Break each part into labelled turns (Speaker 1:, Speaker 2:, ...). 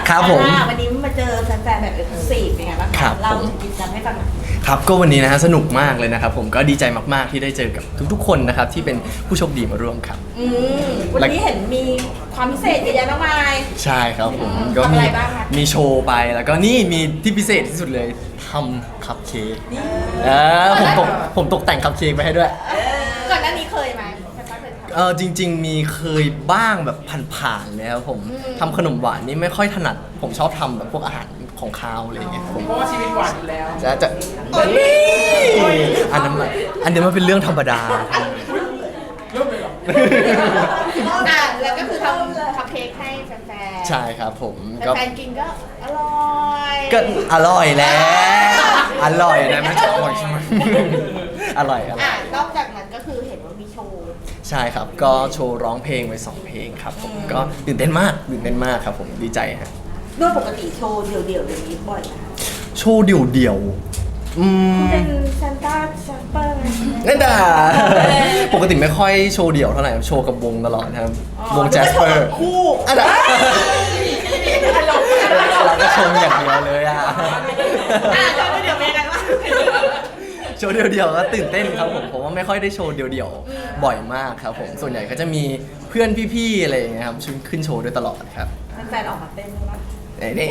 Speaker 1: ครับผม
Speaker 2: วันนี้มาเจอแฟนๆแบบเอ็กซ์คลูซีฟเป็นไงบ้างคะเรากิจกรรมให้ฟังหน่อย
Speaker 1: ครับก็วันนี้นะฮะสนุกมากเลยนะครับผมก็ดีใจมากๆที่ได้เจอกับทุกๆคนนะครับที่เป็นผู้โชคดีมาร่วมครับ
Speaker 2: วันนี้เห็นมีความพิเศษเยอะแยะมากมาย
Speaker 1: ใช่ครับผมก็
Speaker 2: ทำอะไรบ้างคะ
Speaker 1: มีโชว์ไปแล้วก็นี่มีที่พิเศษที่สุดเลยทำคัพเค้กผมตกแต่งคัพเค้กไปให้ด้วย
Speaker 2: ก่อนหน้านี้เคยไหม
Speaker 1: จริงๆมีเคยบ้างแบบผ่านๆแล้วผมทำขนมหวานนี่ไม่ค่อยถนัดผมชอบทำแบบพวกอาหารของคาวอะไรอย่างเงี้ย
Speaker 3: เพราะว่าชีวิตหวานอยู่แล้ว
Speaker 1: จะอันนั้นมันเป็นเรื่องธรรมดา
Speaker 3: เริ่มเลยเหรอ
Speaker 2: แล้วก็คือทำคัพเค้กให้แฟนๆ
Speaker 1: ใช่ครับผม
Speaker 2: แฟนกินก็อร่อย
Speaker 1: ก็อร่อยแล้วอร่อยนะไม่ใช่อร่อยใช่ไหมอร่อย
Speaker 2: นอกจากนั้นก็คือเห็นว่ามีโชว์
Speaker 1: ใช่ครับก็โชว์ร้องเพลงไป2เพลงครับผมก็ตื่นเต้นมากครับผมดีใจฮะ
Speaker 2: ด้วยปกติโชว์เดี่ยวๆอย่างนี้บ่อยไหม
Speaker 1: โชว์เดี่ยว
Speaker 2: เป็นซานต้าแชมเปอร์
Speaker 1: นั่นด่าปกติไม่ค่อยโชว์เดี่ยวเท่าไหร่โชว์กับวงตลอดครับวงแจสเปอร์
Speaker 2: คู่
Speaker 1: อันนั้นเราก็ชมอย่างเดียวเลยอ่ะ
Speaker 2: โชว์เดี่ยวเป็นยังไงบ้าง
Speaker 1: โชว์เดี่ยวก็ตื่นเต้นครับผมว่าไม่ค่อยได้โชว์เดี่ยวบ่อยมากครับผมส่วนใหญ่ก็จะมีเพื่อนพี่ๆอะไรอย่างเงี้ยครับขึ้นโชว์ด้วยตลอดครับ
Speaker 2: แฟนออกมาเต้นมั้ย
Speaker 1: นี่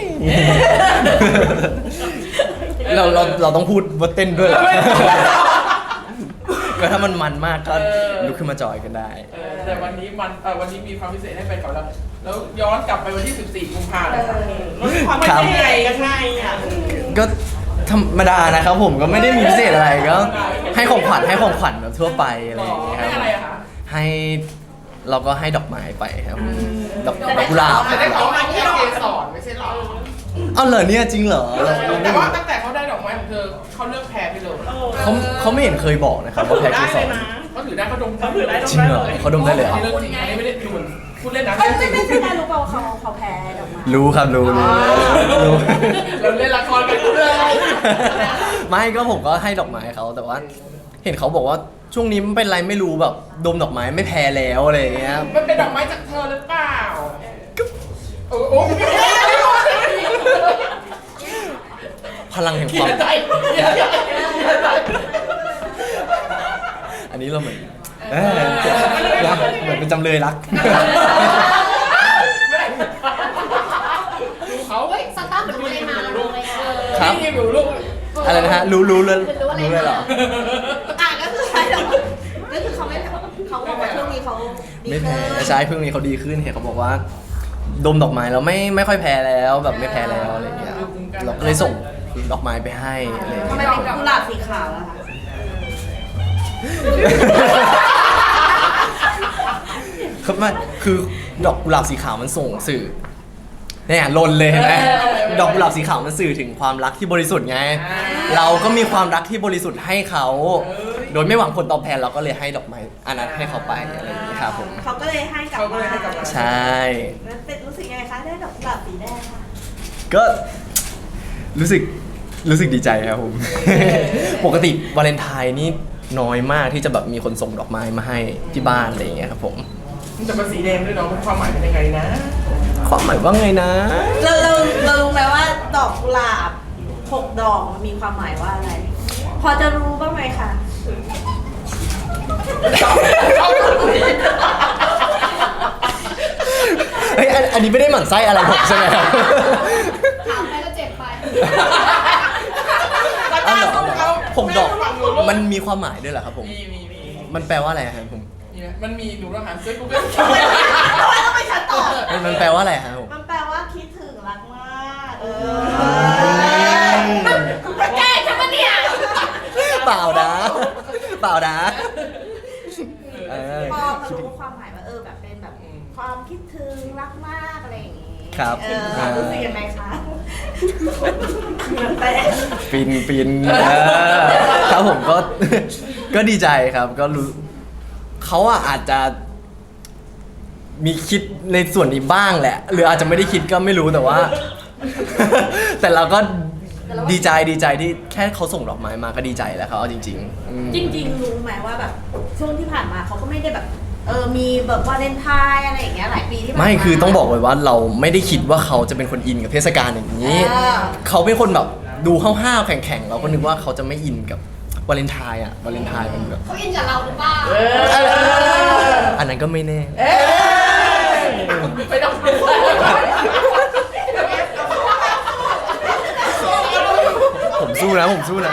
Speaker 1: เราต้องพูดว่าเต้นด้วยเหรอก็ถ้ามันมากก็ลุกขึ้นมาจอยกันได้
Speaker 3: แต่วันนี้มีความพิเศษให้แฟนคลับแล้วย้อนกลับไปวันที่14 กุมภาพันธ์ความเป็นยังไงกันไง
Speaker 1: ก็ธรรมดานะครับผมก็ไม่ได้มีพิเศษอะไรก็ให้ของขวัญแบบทั่วไปอะไรอย่างเงี้ยครับให้เราก็ให้ดอกไม้ไปครับดอกกุหลาบ
Speaker 3: ได้ของมาที่เกสรไม่ใช่หรอ
Speaker 1: เหรอเนี่ยจริงเหรอ
Speaker 3: แต่ว่าตั้งแต่เขาได้ดอกไม้ของเธอเขาเลือกแพ้ไปเลย
Speaker 1: เขาไม่เห็นเคยบอกนะครับว่าแพ้เกสร
Speaker 3: เขาถือได้เขาดม
Speaker 1: จริงเหรอเขาดมได้เลยเหรอ
Speaker 3: ไม่ได้ดูพูดเล่นนะ
Speaker 2: ไม่ใช่การรู้เปล่าเขาแพ้ดอกไม้
Speaker 1: รู้ครับรู้
Speaker 3: เราเล่นละครกันเลย
Speaker 1: ไม่ก็ผมก็ให้ดอกไม้เขาแต่ว่าเห็นเขาบอกว่าช่วงนี้มันเป็นไรไม่รู้แบบดมดอกไม้ไม่แพ้แล้วอะไรอย่างเงี้ย
Speaker 3: มันเป็นดอกไม้จากเธอหรือเปล่าโอ้
Speaker 1: พลังแห่งความอันนี้เราเหมือนเป็นจำเลยรัก
Speaker 3: เขา
Speaker 2: สตาร์เหมือนรู้อะไรมา
Speaker 1: ครับอะไรนะฮะรู้เลยเหรอ
Speaker 2: ก็คือใช่หรอก็คือเขาบอกว่าช่วงนี้เขา
Speaker 1: ไม่แพ้ใช่เพิ่งนี้เขาดีขึ้นเห็นเขาบอกว่าดมดอกไม้แล้วไม่ค่อยแพ้แล้วแบบไม่แพ้แล้วอะไรเงี้ยเราก็เลยส่งดอกไม้ไปให้อะไร
Speaker 2: ทำไมเป็นกุหลาบสีขาวล่ะคะ
Speaker 1: คือดอกกุหลาบสีขาวมันส่งสื่อเนี่ยลนเลยเห็นไหมดอกกุหลาบสีขาวมันสื่อถึงความรักที่บริสุทธิ์ไงเราก็มีความรักที่บริสุทธิ์ให้เขาโดยไม่หวังผลตอบแทนเราก็เลยให้ดอกไม้อันนั้นให้เขาไปอะไรอย่างนี้ครับผม
Speaker 2: เขาก็เลยให้กลับมา
Speaker 1: ใช่
Speaker 2: แล้วรู้สึกยังไงคะได้ดอกกุหลาบสีแดงค่ะ
Speaker 1: ก็รู้สึกดีใจครับผมปกติวาเลนไทน์นี่น้อยมากที่จะแบบมีคนส่งดอกไม้มาให้ที่บ้านอะไรอย่างเงี้ยครับผม
Speaker 3: แต่มันสีแดงด้วยเนาะความหมายเป็นยังไงนะ
Speaker 1: ความหมายว่าไงนะ
Speaker 2: เรารู้ไหมว่าดอกกุหลาบ6 ดอกมันมีความหมายว่าอะไรพอจะรู้บ้างไหมคะ
Speaker 1: เฮ้ยอันนี้ไม่ได้หมั่นไส้อะไรผมใช่ไหมครับ
Speaker 2: ถามไปก็เจ็บไป
Speaker 1: ผมดอกมันมีความหมายด้วยเหรอครับผมมันแปลว่าอะไรครับผม
Speaker 3: มันมีหนูต้องหาเซิร์ชกูเกิล
Speaker 2: ต้องไปชัดต่อ
Speaker 1: มันแปลว่าอะไรครับผม
Speaker 2: มันแปลว่าคิดถึงรักมากแก้ใช่ไหมเนี่ย
Speaker 1: เปล่านะพอ
Speaker 2: รู้ความหมายว่าแบบเป็นแบบความคิดถึงรักมากอะไรอย่างงี้
Speaker 1: ครับ
Speaker 2: รู้สึกยังไงคะ
Speaker 1: ฟินครับผมก็ดีใจครับก็รู้เขาอาจจะมีคิดในส่วนนี้บ้างแหละหรืออาจจะไม่ได้คิดก็ไม่รู้แต่ว่าแต่เราก็ดีใจที่แค่เขาส่งดอกไม้มาก็ดีใจแล้วเขาเอาจริง
Speaker 2: รู้ไหมว่าแบบช่วงที่ผ่านมาเขาก็ไม่ได้แบบมีแบบวาเลนไทน์อะไรอย่างเงี้ยหลายปีที่ผ่านมา
Speaker 1: ไม่คือต้องบอกไว้ว่าเราไม่ได้คิดว่าเขาจะเป็นคนอินกับเทศกาลอย่างนี้ เขาเป็นคนแบบดูห้าวๆแข็งๆเราก็นึกว่าเขาจะไม่อินกับวาเลนไทน์วาเลนไทน์มันแบบ
Speaker 4: เขาอินกับเราหรือเปล่า
Speaker 1: อันนั้นก็ไม่แน่
Speaker 3: ไม่ต้อง
Speaker 1: ผมสู้นะ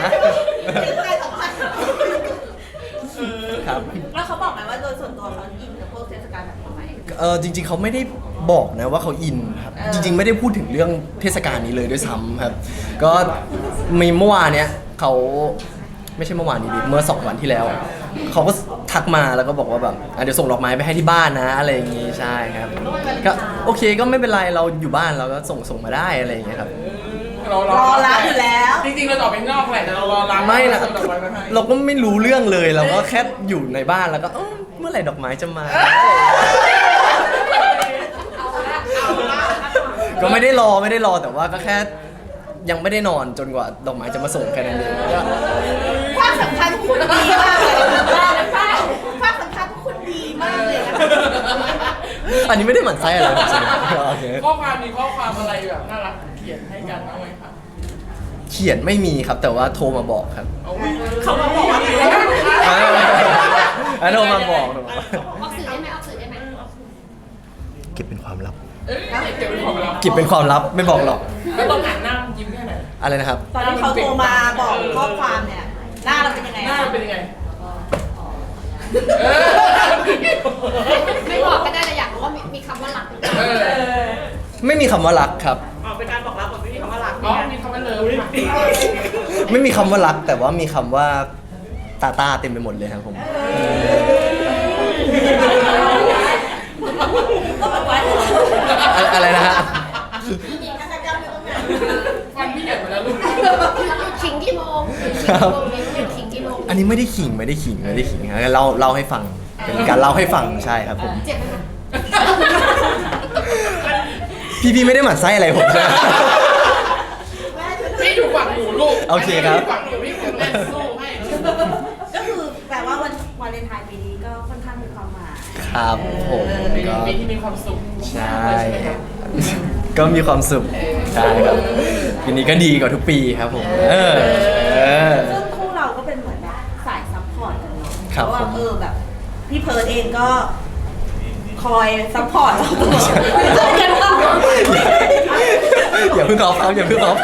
Speaker 1: ครับ
Speaker 2: แล้วเขาบอกไหมว่าโดยส่วนตัวเขาอินกับพวกเทศกาลแบบนี้ไหม
Speaker 1: จริงๆเขาไม่ได้บอกนะว่าเขาอินครับจริงๆไม่ได้พูดถึงเรื่องเทศกาลนี้เลยด้วยซ้ำครับ ก็มีเมื่อวานเนี้ยเขาไม่ใช่เมื่อวานนี้ดิเมื่อ2 วันที่แล้วเขาก็ทักมาแล้วก็บอกว่าแบบเดี๋ยวส่งดอกไม้ไปให้ที่บ้านนะอะไรอย่างงี้ใช่ครับก็โอเคก็ไม่เป็นไรเราอยู่บ้านเราก็ส่งมาได้อะไรอย่างเงี้ยครับ
Speaker 2: รอรับอยู่แล้ว
Speaker 3: จริงๆเราออกไปนอกแหละแต่เรารอรับ
Speaker 1: ไม่นะ
Speaker 3: ส่งดอกไม้มาให้
Speaker 1: เราก็ไม่รู้เรื่องเลยเราก็แค่อยู่ในบ้านแล้วก็เมื่อไหร่ดอกไม้จะมา ก็ไม่ได้รอแต่ว่าก็แค่ยังไม่ได้นอนจนกว่าดอกไม้จะมาส่งแค่นั้นเองก็
Speaker 2: ความสัมพันธ์คุณดีมากเลยความสัมพันธ์คุณดีมากเลยนะ
Speaker 1: อันนี้ไม่ได้หมั่นไส้อะไรผมใช่ไหมโอเค
Speaker 3: ข้อความมีข้อความอะไรแบบน่ารักเขียนให้กันบ้างไหมคะ
Speaker 1: เขียนไม่มีครับแต่ว่าโทรมาบอกครับ
Speaker 3: เขามาบอกว่า
Speaker 1: โทรมาบอก
Speaker 4: ออกสื่อได้ไหมออกสื่อได้ไหม
Speaker 1: เก็บเป็นความลับ
Speaker 3: เก็บเป็นของเรา
Speaker 1: เก็บเป็นความลับไม่บอกหรอก
Speaker 3: แล้วตอนอ่านหน้ายิ้มแค่ไหน
Speaker 1: อะไรนะครับ
Speaker 2: ตอนที่เขาโทรมาบอกข้อความเนี่ยหน้าเราเป็นยังไง
Speaker 3: หน้าเป็นยังไง
Speaker 4: ไม่บอกก็ได้แต่อยากรู้ว่ามีคำว่ารักหรือเปล่า
Speaker 1: ไม่มีคำว่ารักครับ
Speaker 3: เป็นการบอกรักแบบไม่มีคำว่ารักอ๋อมีคำว่าเลิฟ
Speaker 1: ไม่มีคำว่ารักแต่ว่ามีคำว่าตาเต็มไปหมดเลยครับผม อะไรนะฮะ
Speaker 3: ฟันพี่ใหญ่หมดแล้วลูก
Speaker 4: ขิงกี่โมงขิงกี่โมง
Speaker 1: อันนี้ไม่ได้ขิงครับเล่าให้ฟังเป็นการเล่าให้ฟังใช่ครับผม
Speaker 4: เจ็บไหมคะ
Speaker 1: พี่ไม่ได้หมั่นไส้อะไรผมใช่ไหม
Speaker 3: พี่อยู่ฝั่งหนูลูก
Speaker 1: โอเคครับ
Speaker 3: ฝั่งหนูพี่ผมเล่นสู้ให้
Speaker 2: ก็คือแปลว่าวันวาเลนไทน์ปีนี้ก็ค่อนข้างมีความหมาย
Speaker 1: ครับผม
Speaker 3: เป็น
Speaker 1: ก็
Speaker 3: ปีที่มีความสุข
Speaker 1: ใช่
Speaker 3: ไหมครับ
Speaker 1: ก็มีความสุขใช่ครับปีนี้ก็ดีกว่าทุกปีครับผม
Speaker 2: ซึ่งคู่เราก็เป็นเหมือนแบบสายซัพพอร์ตกันเนาะ
Speaker 1: ค
Speaker 2: เพ
Speaker 1: รับ
Speaker 2: ราะว่า
Speaker 1: ผม
Speaker 2: แบบพี่เพิร์ดเองก็คอยซัพพอร์ตเราตลอดเจอกันตลอด
Speaker 1: อย่าเพิ่งออฟครับอย่าเพิ่งออฟ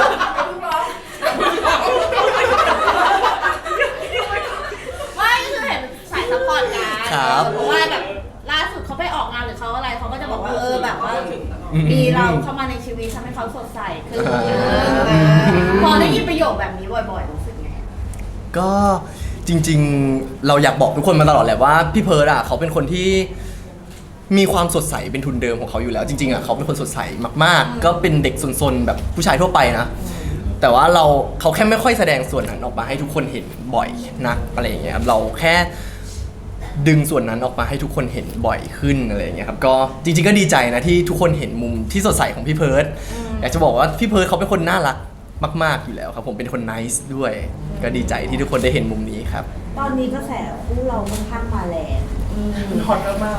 Speaker 2: ไม่คือเห็นสายซัพพอร์ตกัน
Speaker 1: ครับ
Speaker 2: เพราะว่าแบบล่าสุดเขาไปออกงานหรือเขาอะไรเขาก็จะบอกว่าแบบว่ามีเราเข้ามาในชีวิตทำให้เขาสดใสขึ้นพอได้ยินประโยคแบบนี้บ่อยๆรู้สึกไง
Speaker 1: ก็จริงๆเราอยากบอกทุกคนมาตลอดแหละว่าพี่เพิร์ดเขาเป็นคนที่มีความสดใสเป็นทุนเดิมของเขาอยู่แล้วจริงๆเขาเป็นคนสดใสมากๆก็เป็นเด็กซนๆแบบผู้ชายทั่วไปนะแต่ว่าเขาแค่ไม่ค่อยแสดงส่วนนั้นออกมาให้ทุกคนเห็นบ่อยนักอะไรอย่างเงี้ยครับเราแค่ดึงส่วนนั้นออกมาให้ทุกคนเห็นบ่อยขึ้นอะไรอย่างเงี้ยครับก็จริงๆก็ดีใจนะที่ทุกคนเห็นมุมที่สดใสของพี่เพิร์ดอยากจะบอกว่าพี่เพิร์ดเขาเป็นคนน่ารักมากๆอยู่แล้วครับผมเป็นคนไนซ์ด้วยก็ดีใจที่ทุกคนได้เห็นมุมนี้ครับ
Speaker 2: ตอนนี้กระแสคู่เราค่อนข้างมาแรง
Speaker 3: ฮอตมาก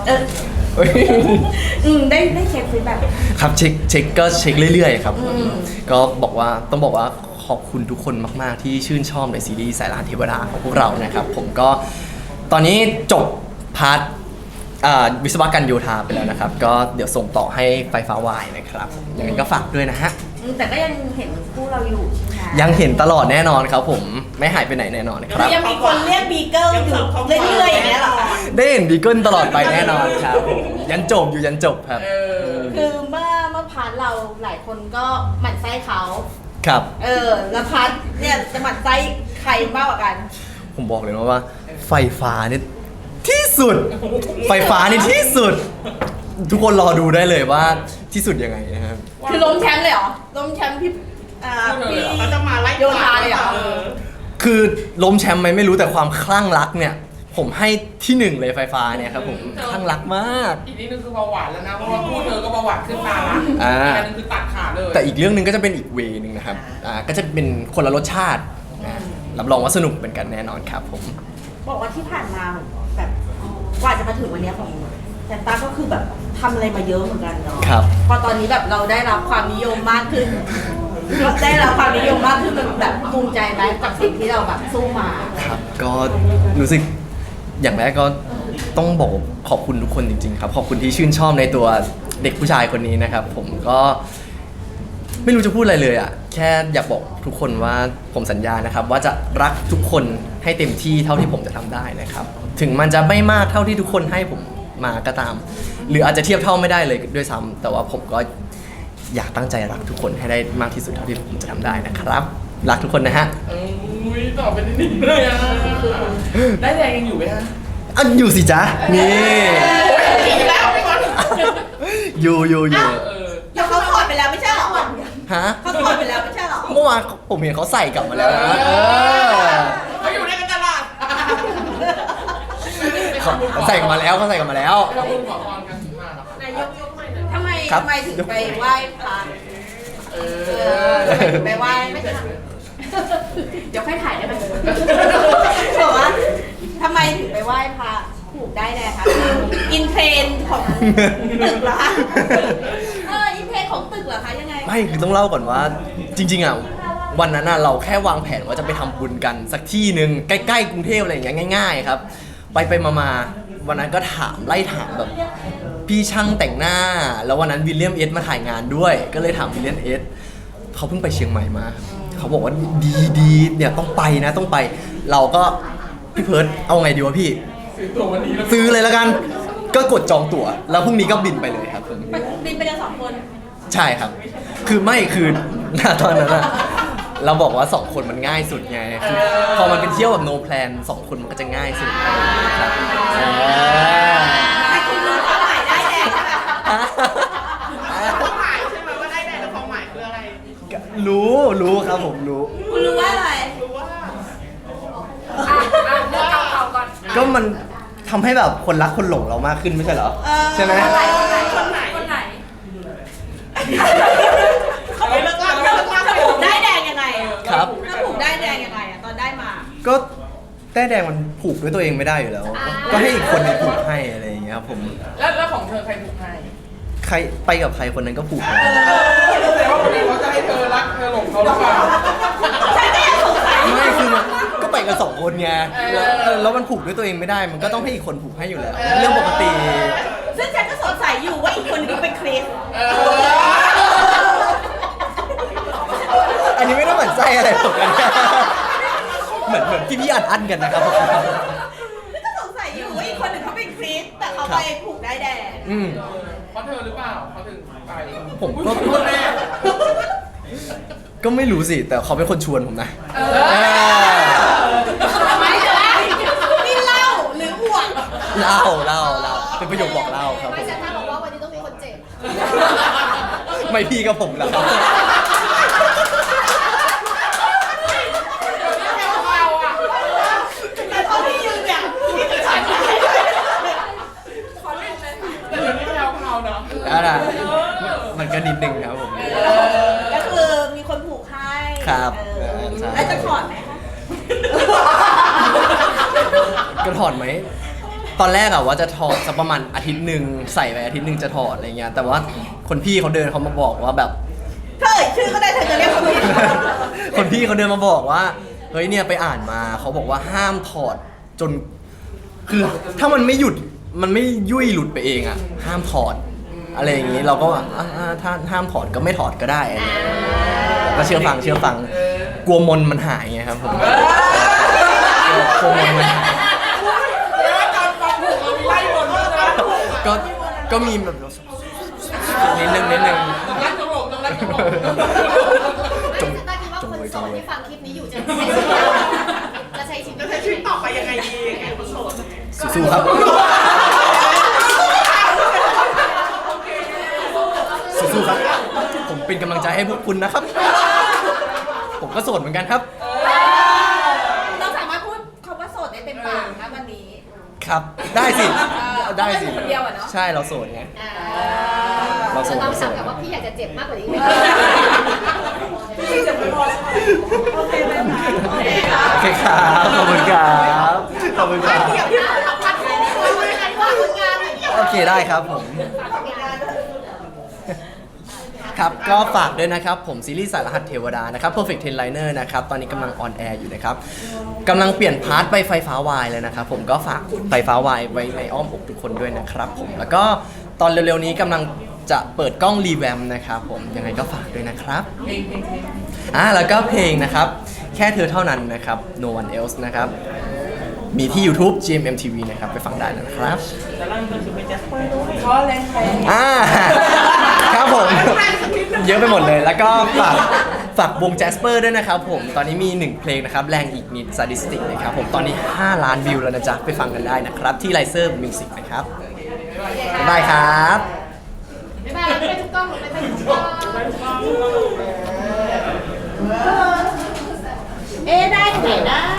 Speaker 2: ได้เช็คฟีดแบ็ก
Speaker 1: ครับเช็คก็เช็คเรื่อยๆครับก็ต้องบอกว่าขอบคุณทุกคนมากๆที่ชื่นชอบในซีรีส์สายลานเทวดาของพวกเรานะครับผมก็ตอนนี้จบพาร์ทวิศวกรรมโยธาไปแล้วนะครับก็เดี๋ยวส่งต่อให้ไฟฟ้าวายนะครับยังไงก็ฝากด้วยนะฮะ
Speaker 2: แต่ก็ยังเห็นคู่เราอยู่ใช่ไหม
Speaker 1: ยังเห็นตลอดแน่นอนครับผมไม่หายไปไหนแน่นอนครับ
Speaker 2: ยังมีคนเรียกบีเกิลอยู่เรื่อยๆอย่างเงี้ยเหรอคะ
Speaker 1: ได้เห็นบีเกิลตลอดไปแน่นอนครับผมยันจบอยู่ยันจบครับ
Speaker 2: คือเมื่อพาร์ทเราหลายคนก็หมั่นไส้เขา
Speaker 1: ครับ
Speaker 2: แล้วพาร์ทเนี่ยจะหมั่นไส้ใครมากกว่ากัน
Speaker 1: ผมบอกเลยนะว่าไฟฟ้าเนี่ยที่สุดไฟฟ้านี่ที่สุด ทุกคนรอดูได้เลยว่าที่สุดยังไงนะครับ
Speaker 2: คือล้มแชมป์เลยเหรอล้มแชมป์พี่เขาจะมาไล่โยธาเลยเหรอ
Speaker 1: คือล้มแชมป์ไหมไม่รู้แต่ความคลั่งรักเนี่ย ผมให้ที่หนึ่งเลยไฟฟ้าเนี่ยครับผมคลั่งรักมาก
Speaker 3: อีกนิดนึงคือเบาหวานแล้วนะเพราะว่าคู่เธอก็เบาหวานขึ้นตาละ
Speaker 1: อ่า
Speaker 3: อันนึงคือตัดขาดเลย
Speaker 1: แต่อีกเรื่องหนึ่งก็จะเป็นอีกเวนึงนะครับก็จะเป็นคนละรสชาติรับรองว่าสนุกเป็นกันแน่นอนครับผม
Speaker 2: บอกว่าที่ผ่านมาแบบกว่าจะมาถึงวันเนี้ยของแซนต้าก็คือแบบทำอะไรมาเยอะเหมือนกันเนาะ
Speaker 1: ครับ
Speaker 2: พอตอนนี้แบบเราได้รับความนิยมมากขึ้นได้รับความนิยมมากขึ้นมันแบบภูมิใจไหมกับสิ่งที่เราแบบสู้มา
Speaker 1: ครับก็รู้สึกอย่างแรกก็ต้องบอกขอบคุณทุกคนจริงๆครับขอบคุณที่ชื่นชอบในตัวเด็กผู้ชายคนนี้นะครับ ผมก็ไม่รู้จะพูดอะไรเลยอ่ะแค่อยากบอกทุกคนว่าผมสัญญานะครับ ว่าจะรักทุกคนให้เต็มที่เท่าที่ผมจะทำได้นะครับ ถึงมันจะไม่มากเท่าที่ทุกคนให้ผมมาก็ตาม หรืออาจจะเทียบเท่าไม่ได้เลยด้วยซ้ำแต่ว่าผมก็อยากตั้งใจรักทุกคนให้ได้มากที่สุดเท่าที่ผมจะทำได้นะครับ รักทุกคนนะฮะ
Speaker 3: อุ้ยตอบเป็นนิดๆเลยอ่ะได้แดงยังอยู่ไหมฮะ
Speaker 1: อ่ะอยู่สิจ๊ะนี่
Speaker 3: กินแล้วพี่บอล
Speaker 1: อยู่
Speaker 2: แล้วเขาถอดไปแล้วไม่ใช่เหรอ
Speaker 1: ฮะ
Speaker 2: เขาถอดไปแล้วไม่ใช่เหรอ
Speaker 1: เมื่อวานผมเห็นเขาใส่กลับมาแล้วนะ
Speaker 3: เขาอยู่ในกันตลาด
Speaker 1: เขาใส่กลับมาแล้วเขาใส่กลับมาแล้ว
Speaker 3: เราคุณขอพรกันถึงมาหรอครับ
Speaker 4: นายกยกใหม่หน่อย
Speaker 2: ทำไม
Speaker 1: ครับ
Speaker 2: ทำไมถึงไปไหว้พระทำไมถึงไปไหว้ไม่ทันเดี๋ยวค่อยถ่ายได้ไหมบอกว่าทำไมถึงไปไหว้พระผูกได้แดงคะคืออินเทรนด์ของตึกเหรอคะอินเทรนด์ของตึกเหรอคะยังไง
Speaker 1: ไม่คือต้องเล่าก่อนว่าจริงๆอ่ะวันนั้นเราแค่วางแผนว่าจะไปทำบุญกันสักที่หนึ่งใกล้ๆกรุงเทพอะไรอย่างเงี้ยง่าย ๆ ครับ ไปมาวันนั้นก็ไล่ถามแบบพี่ช่างแต่งหน้า แล้ววันนั้นวิลเลียมเอสมาถ่ายงานด้วย ก็เลยถามวิลเลียมเอสเขาเพิ่งไปเชียงใหม่มา เขาบอกว่าดีเนี่ยต้องไปนะต้องไป เราก็พี่เพิร์ดเอาไงดีวะพี่
Speaker 3: ซื้อตัววันนี้แล้ว
Speaker 1: ซื้อเลยแล้วกัน ก็กดจองตั๋วแล้วพรุ่งนี้ก็บินไปเลยครับผม
Speaker 2: บินไปกันสองคน
Speaker 1: ใช่ครับ คือไม่คือณตอนนั้นอะเราบอกว่า2คนมันง่ายสุดไงคือพอมันเป็นเที่ยวแบบ no plan 2คนมันก็จะง่ายสุดครับ
Speaker 2: แต่คุณรู้ความหมายได้แดงใช่ไหม
Speaker 3: ความหมายใช่ไหมว่าได้แดงแล้วความหมายคืออะไร
Speaker 1: รู้ครับผมรู้
Speaker 2: คุณรู้ว่าอะไร
Speaker 3: รู้ว่า
Speaker 4: เลือกเก่าๆก่อน
Speaker 1: ก็มันทำให้แบบคนรักคนหลงเรามากขึ้นไม่ใช่เหรอ ใช่ไหม
Speaker 2: คนไหน
Speaker 4: คนไหน
Speaker 2: เขาผูกได้แดงยังไงอะ
Speaker 1: ครับ
Speaker 2: ถ้าผูกได้แดงยังไงอะตอนได้มา
Speaker 1: ก็แต้แดงมันผูกด้วยตัวเองไม่ได้อยู่แล้ว ก็ให้อีกคนหนึงผูกให้อะไรอย่างเงี้ยครับผม
Speaker 3: แล้วของเธอใครผูกให้
Speaker 1: ใครไปกับใครคนนั้นก็ผูกให้
Speaker 3: แต่ว่าวันนี้เขาจะให้เธอรักเธอหลงเขาหรือเปล่า
Speaker 1: ไม่คือมันก็ไปกัน2คนไงแล้วมันผูกด้วยตัวเองไม่ได้ มันก็ต้องให้อีกคนผูกให้อยู่แล้ว เรื่องปกติ
Speaker 2: ซึ่งฉันก็สงสัยอยู่ว่าอีกคนนึงเป็นคริส
Speaker 1: อันนี้ไม่ต้องหมั่นไส้อะไรผมกันเหมือนพี่อัดกันนะครับผม
Speaker 2: ฉันก็สงสัยอยู่ว่าอีกคนนึงเขาเป็นคริสแต่เขาไปผูกได้แดง
Speaker 3: เพราะเธอหรือเปล่าเขาถึงไป
Speaker 1: ผมก็
Speaker 3: พูดแม่
Speaker 1: ก็ไม่รู้สิ แต่เขาเป็นคนชวนผมนะ
Speaker 2: ไม่ใช่นี่เล่าหรืออวด
Speaker 1: เล่าเป็นประโยคบอกเล่าครับผ
Speaker 4: ไม่
Speaker 1: ม
Speaker 4: ใช่ถ้าบอกว่าวันนี้ต้องมีคนเจ็บ
Speaker 1: ไม่พี่กับผมแล้วครับ
Speaker 2: แต่ตอนที่ยืนเนี่ยที่ฉัน
Speaker 3: แต่เดี๋ยวนี้แพลวๆเนาะ
Speaker 1: มันก็นิดนึงครับผม
Speaker 2: ก็คือมีคนผูกให้
Speaker 1: ครับ
Speaker 2: ใช่แล้วจะถอดไหมคะ
Speaker 1: ก็ถอดไหม ตอนแรกอะว่าจะถอดสักประมาณอาทิตย์หนึ่งใส่ไปอาทิตย์หนึ่งจะถอดอะไรเงี้ย แต่ว่าคนพี่เขาเดินเขามาบอกว่าแบบ
Speaker 2: เธอเอ่ยชื่อก็ได้เธอจะเรียกเขาผิด
Speaker 1: คนพี่เขาเดินมาบอกว่า เฮ้ยเนี่ยไปอ่านมาเขาบอกว่าห้ามถอดจน คือถ้ามันไม่หยุดมันไม่ยุ่ยหลุดไปเองอะห้ามถอด อะไรอย่างนี้เราก็ว่าถ้าห้ามถอดก็ไม่ถอดก็ได้อะไรอย่างเงี้ยก็เชื่อฟังกลัวมนมันหายไงครับผมกลัวมนมันหาย
Speaker 3: แล้วตอนฟังผูกเรามีไล่บนด้วยนะ
Speaker 1: ก็มีแบบนิดนึง
Speaker 3: ต้องรักจงหลงต้องรักจงหลง
Speaker 1: จง
Speaker 4: ไม่ฉันคิดว่าคนโสดที่ฟังคลิปนี้อยู่จะใช้ชีวิต
Speaker 3: จะใช้ชีวิตต่อไปยังไงดีไงคนโสด
Speaker 1: สู้ๆครับสู้ๆครับ ผมเป็นกำลังใจให้พวกคุณนะครับ ผมก็โสดเหมือนกันครับ
Speaker 2: เราสามารถพูดคำว่าโสดได้เต็มปากนะวันนี้
Speaker 1: ครับได้สิได้สิ
Speaker 2: คนเดียวอะเนาะ
Speaker 1: ใช่เราโสดไง เราโส
Speaker 4: จะ
Speaker 1: ด
Speaker 4: ต้อง
Speaker 1: เราโส
Speaker 4: ถาม
Speaker 1: ด
Speaker 4: กลับว่าพี่อยากจะเจ็บมากกว่านี้ไหม
Speaker 2: พี่จะไม่พอใช่ไหมโอเคไหมคะโอเคค่ะ
Speaker 1: โอเคครับขอบคุณครับขอบคุณครับ
Speaker 2: เดี๋ยวพี่ขอพักแค่นี้
Speaker 1: เคได้ครับผม ครับก็ฝากด้วยนะครับผมซีรีส์สายรหัสเทวดานะครับ Perfect Ten Liner นะครับตอนนี้กำลังออนแอร์อยู่นะครับกำลังเปลี่ยนพาร์ทไปไฟฟ้าวายเลยนะครับผมก็ฝากไฟฟ้าวายไว้ในอ้อมอกทุกคนด้วยนะครับผมแล้วก็ตอนเร็วๆนี้กำลังจะเปิดกล้องรีแวมนะครับผมยังไงก็ฝากด้วยนะครับ
Speaker 3: เพลง
Speaker 1: แล้วก็เพลงนะครับแค่เธอเท่านั้นนะครับ No One Else นะครับมีที่ YouTube GMMTV นะครับไปฟังได้นะครับ
Speaker 3: แต่ล่างก็คือไปแจ็คเปอร์ด้วยเพราะอะไรใคร
Speaker 1: ครับผม เยอะไปหมดเลย แล้วก็ฝากวงแจสเปอร์ด้วยนะครับผม ตอนนี้มี 1 เพลงนะครับ แรงอีกนิดซาดิสติกนะครับผม ตอนนี้ 5 ล้านวิวแล้วนะจ๊ะ ไปฟังกันได้นะครับ ที่ไลเซอร์มิวสิกนะครับ บ๊ายบายครับ
Speaker 4: บ๊ายบายไปทุกกล้องไปทุกกล้อง
Speaker 2: เอ๊ะได้ที่ไหนได้